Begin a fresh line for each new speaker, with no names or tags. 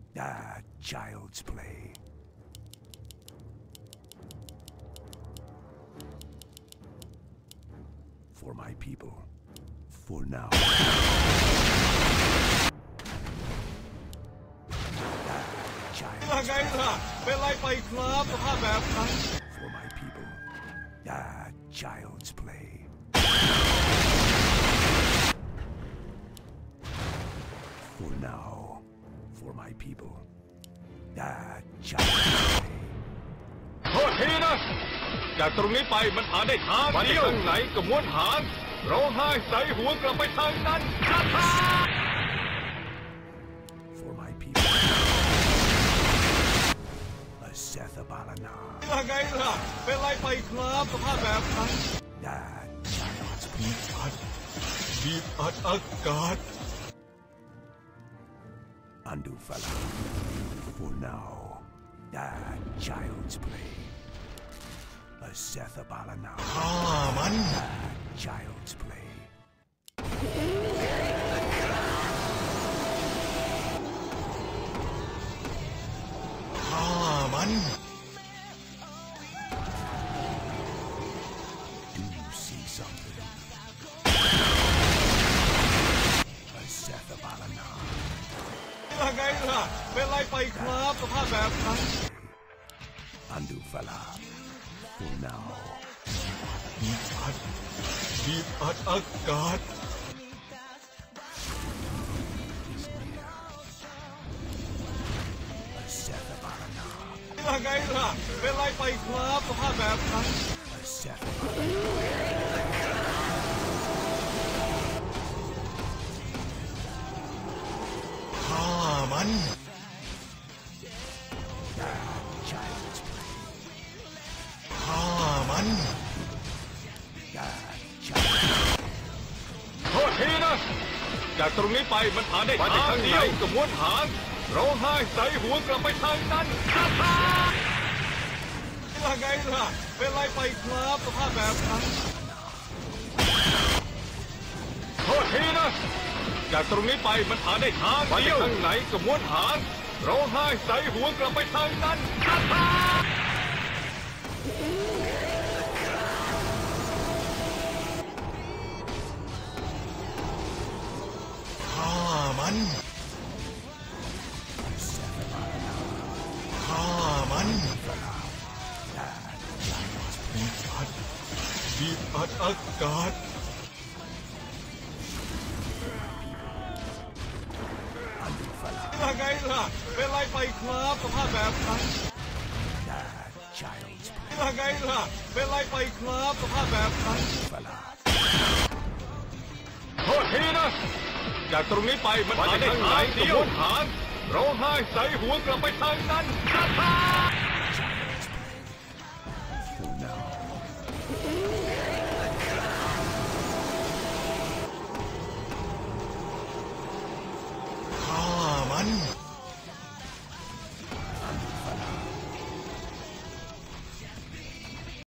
Child's play. For my people. For now.
ยังไงล่ะเป็นไรไปครับสภาพแบบนั้น
For my people. Child's play. For now. For my people. Child's play.
โทษทีนะจากตรงนี้ไปมันหาได้ทางเดียวทางไหนก็ม้วนหางร้องไห้ใส่หัวกลับไปทางนั้น
For my people. Setha Balana.
ยังไงล่ะเป็นไรไปครับสภาพแบบนั้น
Child's
บีบอัดอากาศ
Undo fella. For now. Child's play. Setha Balana.
ฆ่ามัน
Child's play.
ฆ่ามัน
Do you see something? Setha Balana.
ยังไงล่ะเป็นไรไปครับสภาพแบบนั้น
Undo fella. For now.
บีบอัดอากาศ
Is near. Setha Balana.
ยังไงล่ะเป็นไรไปครับสภาพแบบนั้น
Setha Balana.
ฆ่ามัน
Child's play.
ฆ่ามัน โทษทีนะจากตรงนี้ไปมันหาได้ทางเดียวก็ม้วนหางร้องไห้ใส่หัวกลับไปทางนั้นยังไงล่ะเป็นไรไปครับสภาพแบบนั้นโทษทีนะจากตรงนี้ไปมันหาได้ทางเดียวทางไหนก็ม้วนหางร้องไห้ใส่หัวกลับไปทางนั้นฆ่ามันฆ่ามันบีบอัดอากาศ
Undo fella.
ยังไงล่ะเป็นไรไปครับสภาพแบบนั้น
Child's play.
ยังไงล่ะเป็นไรไปครับสภาพแบบนั้น
Fella.
โทษทีนะจากตรงนี้ไปมันหาได้ทางเดียวหางร้องไห้ใส่หัวกลับไปทางนั้น